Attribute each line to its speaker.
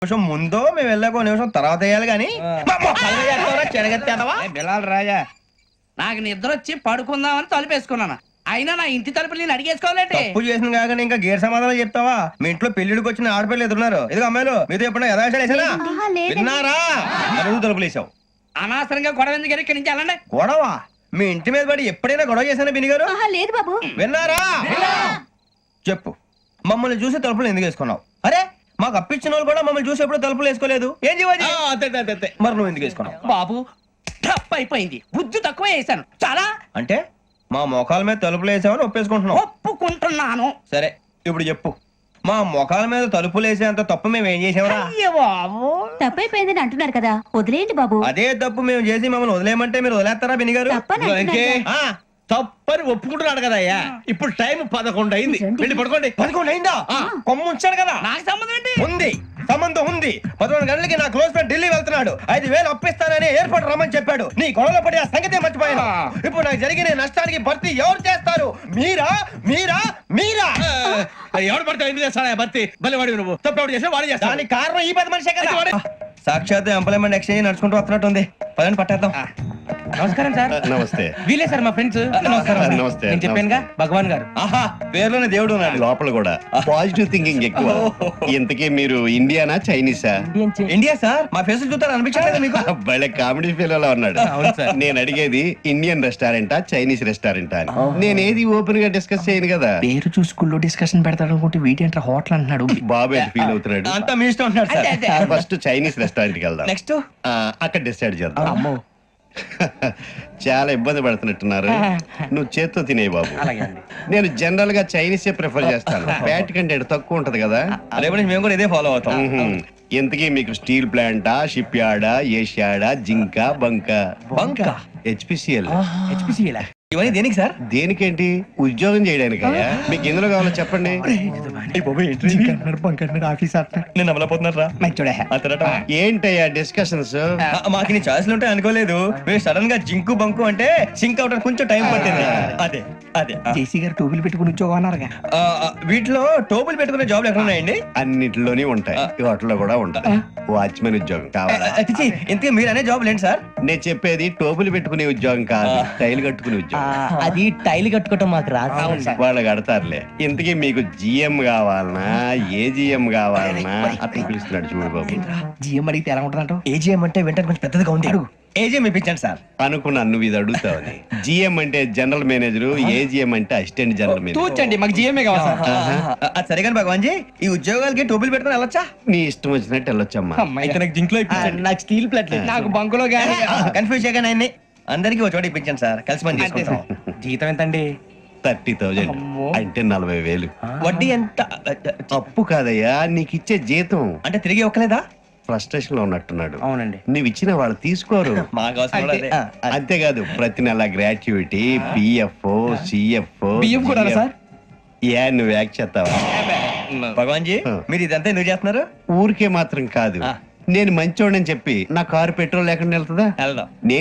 Speaker 1: నిమిషం ముందో మేము వెళ్ళాక ఒక నిమిషం తర్వాత వేయాలి కానీ
Speaker 2: బిలాల్ రాజా నాకు నిద్ర వచ్చి పడుకుందామని తలుపేసుకున్నాను. అయినా నా ఇంటి తలుపులు నేను అడిగేసుకోవాలంటే
Speaker 1: తప్పు చేసిన కాక ఇంకా గేర్ సమాధానం చెప్తావా? మీ ఇంట్లో పెళ్లిడికి వచ్చిన ఆడపిల్లలు ఎదురున్నారు. ఇదిగో అమ్మాయిలు మీతో ఎప్పుడైనా యథాశాలు వేసానా? విన్నారా? అడుగు తలుపులు వేసావు.
Speaker 2: అనవసరంగా గొడవ ఎందుకు ఇక్కడి నుంచి వెళ్ళండి.
Speaker 1: గొడవ? మీ ఇంటి మీద పడి ఎప్పుడైనా గొడవ చేశానా బిని గారు?
Speaker 3: లేదు బాబు.
Speaker 1: విన్నారా? చెప్పు, మమ్మల్ని చూసి తలుపులు ఎందుకు వేసుకున్నావు? అరే మాకు అప్పించిన వాళ్ళు కూడా మమ్మల్ని చూసి ఎప్పుడు తలుపులు వేసుకోలేదు. ఏం చేయాలి? మరి నువ్వు ఎందుకు వేసుకున్నావు?
Speaker 2: బాబు టప్ అయిపోయింది, బుద్ధి తక్కువ వేసాను చాలా.
Speaker 1: అంటే మా మొఖాల మీద తలుపులు వేసామని ఒప్పేసుకుంటున్నావు?
Speaker 2: ఒప్పుకుంటున్నాను.
Speaker 1: సరే ఇప్పుడు చెప్పు, మా మొఖాల మీద తలుపులు వేసేంత తప్పు మేము ఏం చేసామరా?
Speaker 2: అయ్యో బాబు,
Speaker 3: తప్పైపోయిందని అంటున్నారు కదా, వదిలేయండి బాబు.
Speaker 1: అదే తప్పు మేము చేసి మమ్మల్ని వదిలేయమంటే మీరు వదిలేస్తారా బిని గారు?
Speaker 3: తప్పని అంటున్నారు కదా.
Speaker 4: తప్పని ఒప్పుకుంటున్నాడు కదా అయ్యా. ఇప్పుడు టైం 11 అయింది, వెళ్ళి పడుకోండి.
Speaker 1: 11 అయిందా? కొమ్ము ఉంచాడు కదా.
Speaker 2: నాకు సంబంధం ఏంటి?
Speaker 1: ఉంది, సంబంధం ఉంది. 11 గంటలకి నా క్లోజ్ ఫ్రెండ్ ఢిల్లీ వెళ్తున్నాడు. 5,000 అప్పిస్తానని ఎయిర్పోర్ట్ రమ్మని చెప్పాడు. నీ గొడవలో పడి ఆ సంగతే మర్చిపోయాను. ఇప్పుడు నాకు జరిగిన నష్టానికి భర్తీ ఎవరు చేస్తారు? మీరా మీరా మీరా?
Speaker 4: ఎవడు పడితే ఎందుకు చేస్తాడా భర్తీ? మళ్ళీ వాడి నువ్వు తప్పు ఎవడు చేసా వాడు చేస్తా.
Speaker 1: దానికి కారణం ఈ 10 మనిషే కదా. సాక్షాత్ ఎంప్లాయ్మెంట్ ఎక్స్చేంజ్ నడుచుకుంటూ వస్తున్నట్టుంది. పదండి పట్టేద్దాం.
Speaker 2: నమస్కారం సార్.
Speaker 5: నమస్తే.
Speaker 2: వీలే సార్ మా ఫ్రెండ్స్. నమస్కారం.
Speaker 5: నమస్తే.
Speaker 2: నేను చెప్పానుగా భగవాన్ గారు.
Speaker 1: ఆహా, పేర్లోనే దేవుడు ఉన్నాడు.
Speaker 5: లోపల కూడా పాజిటివ్ థింకింగ్ ఎక్కువ. ఇంతకీ మీరు ఇండియానా చైనీసా?
Speaker 1: India sir. మా ఫేస్ చూస్తారు అనిపించలేదు మీకు?
Speaker 5: భలే కామెడీ ఫీల్ అలా ఉన్నాడు. నేను అడిగేది ఇండియన్ రెస్టారెంటా చైనీస్ రెస్టారెంటా అని. నేనేది ఓపెన్ గా డిస్కస్ చేయను కదా.
Speaker 2: పేరు చూసుకుల్లో డిస్కషన్ పెడతాడు అనుకుంటే వీటి అంటే హోటల్ అంటున్నాడు.
Speaker 5: బాబు ఎట్ ఫీల్ అవుతున్నాడు.
Speaker 1: అంతా మీ ఇష్టం ఉంటున్నాడు సార్.
Speaker 5: ఫస్ట్ చైనీస్ రెస్టారెంట్ కి వెళ్దాం.
Speaker 1: నెక్స్ట్
Speaker 5: అక్కడ డిసైడ్ చేద్దాం. చాలా ఇబ్బంది పడుతున్నట్టున్నారు. నువ్వు చేత్తో తినే బాబు. నేను జనరల్ గా చైనీస్ ప్రిఫర్ చేస్తాను. ఫ్యాట్ కంటెంట్ తక్కువ ఉంటది కదా.
Speaker 1: రేపు నుంచి మేము కూడా ఇదే ఫాలో అవుతాం.
Speaker 5: ఇంతకీ మీకు స్టీల్ ప్లాంటా, షిప్ యార్డా, ఏషియాడా, జింక, బంకా?
Speaker 1: బంకా?
Speaker 5: హెచ్పిసిఎల్.
Speaker 1: ఇవన్నీ దేనికి సార్?
Speaker 5: దేనికేంటి? ఉద్యోగం చేయడానికి. మీకు ఎందులో కావాలో చెప్పండి.
Speaker 1: నేను అమలపోతున్నారా?
Speaker 5: ఏంటయ్యా డిస్కషన్స్?
Speaker 1: మాకు నీ ఛాయిస్లు ఉంటాయి అనుకోలేదు. మీరు సడన్ గా జింకు బంకు అంటే సింక్ అవడానికి కొంచెం టైం పట్టింది. అదే అదే
Speaker 2: జేసీ గారు టోపీలు పెట్టుకుని ఉద్యోగం అన్నారుగా.
Speaker 1: వీటిలో టోపులు పెట్టుకునే జాబ్లు ఎక్కడ ఉన్నాయండి?
Speaker 5: అన్నిటిలోనే ఉంటాయి. వాటిలో కూడా ఉంటాయి. వాచ్మెన్ ఉద్యోగం కావాలా?
Speaker 1: ఇంతకీ మీరు అనే జాబ్ ఏంటి సార్?
Speaker 5: నేను చెప్పేది టోపులు పెట్టుకునే ఉద్యోగం కాదు, టైల్ కట్టుకునే ఉద్యోగం.
Speaker 2: అది టైల్ కట్టుకోవటం మాకు రాదు.
Speaker 5: వాళ్ళు కడతారులే. ఇంతకీ మీకు జిఎం కావాలనా, ఏజిఎం కావాలనా? అతను పిలుస్తున్నాడు చూడు బాబు.
Speaker 2: జిఎం అడిగితే ఎలా ఉంటుందంట?
Speaker 1: ఏజీఎం అంటే వెంటనే కొంచెం పెద్దదిగా ఉంది. ఏజీఎం ఇప్పించండి సార్.
Speaker 5: అనుకున్నాను నువ్వు ఇది అడుగుతావని. జిఎం అంటే జనరల్ మేనేజర్, ఏజిఎం అంటే అసిస్టెంట్ జనరల్ మేనేజర్.
Speaker 2: తూచండి, మాకు జిఎంఏ కావాలి సార్.
Speaker 1: అది సరే కానీ భగవాన్ జీ, ఈ ఉద్యోగాలకి టోపులు పెట్టుకుని వెళ్ళొచ్చా?
Speaker 5: నీ ఇష్టం వచ్చినట్టు వెళ్ళొచ్చమ్మా.
Speaker 2: అయితే నాకు జింక్ లో నాకు స్టీల్ ప్లేట్, నాకు బంకులో గానీ.
Speaker 1: కన్ఫ్యూజ్ చేయగానే ఆయన్ని అందరికీ ఒక చోట ఇప్పించండి సార్. కలిసి పని చేసుకుంటాం.
Speaker 2: జీతం ఎంతండి?
Speaker 5: 30,000 అంటే 40,000.
Speaker 1: వడ్డీ ఎంత?
Speaker 5: అప్పు కాదయ్యా, నీకు ఇచ్చే జీతం.
Speaker 1: అంటే తిరిగి ఒక్కలేదా?
Speaker 5: ఫ్రస్ట్రేషన్ లో ఉన్నట్టున్నాడు.
Speaker 2: అవునండి.
Speaker 5: నువ్వు ఇచ్చిన వాళ్ళు తీసుకోరు.
Speaker 1: మాకు అవసరం కూడా అదే.
Speaker 5: అంతేకాదు ప్రతి నెల గ్రాట్యుటీ, పిఎఫ్, సిఎఫ్.
Speaker 2: బియ్యం కూడా సార్?
Speaker 5: ఏ నువ్వు యాక్ట్ చేస్తావా?
Speaker 1: భగవాన్ జీ, మీరు ఇదంతా ఎందుకు చేస్తున్నారు?
Speaker 5: ఊరికే మాత్రం కాదు, నేను మంచోడని చెప్పి నా కారు పెట్రోల్ లేకుండా వెళ్తుందా?
Speaker 1: వెళ్దాం.
Speaker 5: నేను